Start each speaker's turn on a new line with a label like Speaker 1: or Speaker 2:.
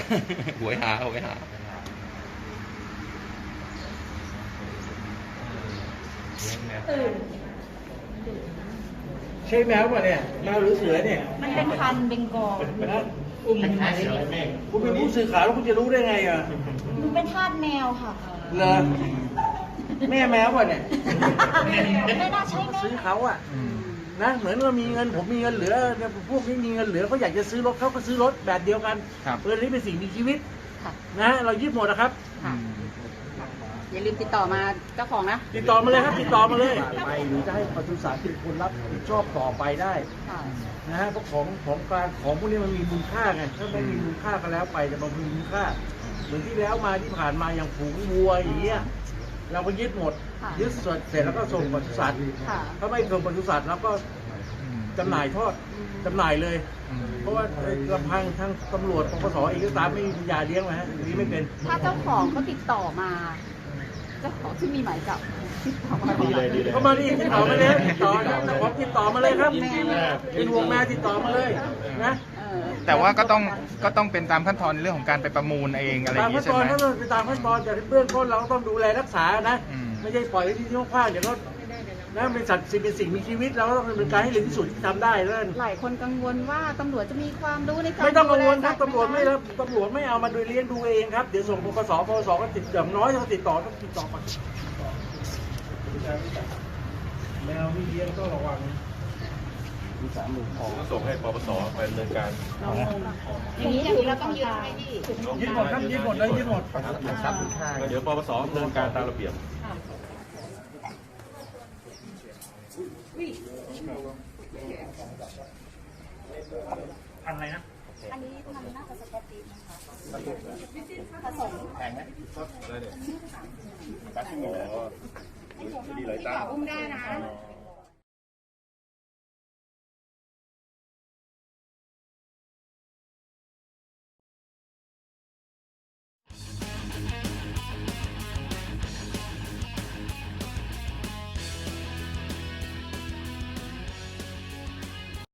Speaker 1: หวยหาหวยหา
Speaker 2: ใช่แมวป่ะเนี่ยแมวหรือเสือเนี่ย
Speaker 3: มันเป็นพันธุ์เบงกอล
Speaker 2: นะคุณเป็นผู้สื่อข่าวแล้วคุณจะรู้ได้ไงอ่ะ
Speaker 3: มันเป็นทาสแมวค่ะ
Speaker 2: เหรอแม่แมวป่ะเนี่ย
Speaker 3: ไม่น่าใช่แม่
Speaker 2: ซื้อเขาอ่ะนะเหมือนว่ามีเงินผมมีเงินเหลือพวกนี้มีเงินเหลือเขาอยากจะซื้อรถเขาก็ซื้อรถแบบเดียวกันเออนี้เป็นสิ่งมีชีวิตนะเรายึดหมดนะครับ
Speaker 4: อย่าลืมติดต่อมาเจ้าของนะ
Speaker 2: ติดต่อมาเลยครับติดต่อมาเลยไปหรือจะให้ปศุสัตว์เป็นคนรับผิดชอบต่อไปได้นะฮะเพราะของกลางของพวกนี้มันมีมูลค่าไงถ้าไม่มีมูลค่าก็แล้วไปแต่มันมีมูลค่าเหมือนที่แล้วมาที่ผ่านมาอย่างฝูงวัวอย่างเงี้ยเราก็ยึดหมดยึดเสร็จแล้วก็ส่งปศุสัตว์ถ้าไม่ส่งปศุสัตว์เราก็จำหน่ายทอดจำหน่ายเลยเพราะว่าลำพังทางตำรวจปปสเองก็ตามไม่มียาเลี้ยงนะฮะอย่างนี้ไม่เป็น
Speaker 4: ถ้าเจ้าของเขาติดต่อมาเจ้าของที่มีหมายจับติดต่อมา
Speaker 2: เขามาดิติดต่อมาเลยติดต่อนะเจ้าของติดต่อมาเลยครับเป็นห่วงแม่ติดต่อมาเลยนะ
Speaker 1: แต่ว่าก็ต้องเป็นตามขั้นตอนในเรื่องของการไปประมูลเองอะไรอย่างนี้ใช่ไหม
Speaker 2: ตามขั้นตอนแต่เบื้องต้นเราต้องดูแลรักษานะไม่ใช่ปล่อยไว้ที่ที่ว่างๆเดี๋ยวก็นะเป็นสัตว์เป็นสิ่งมีชีวิตเราก็ต้องดำเนินการให้เร็วที่สุดที่ทำได้แล้ว
Speaker 4: หลายคนกังวลว่าตำรวจจะมีความรู้ในการ
Speaker 2: ไม่ต้องกังวลครับตำรวจไม่เอามาโดยเลี้ยงดูเองครับเดี๋ยวส่งปปสก็ติดอย่างน้อยต้องติดต่อมาแมวที่เลี้ยงต้องระวังมี30,000ของ
Speaker 5: ส่งให้ปปสไปดำเนินการ
Speaker 4: อย่างนี้เราต้องยึดให้ที่
Speaker 2: ยึดหมดครับยึดหมดเลยยึดหมด
Speaker 5: เดี๋ยวปปสดำเนินการตามระเบียบ
Speaker 2: พันอะไรนะ
Speaker 3: อันนี้มันน่าจะสแกตตีนะคะผสม
Speaker 5: แพงไหมอะไรเนี่ย
Speaker 4: อุ้มได้นะ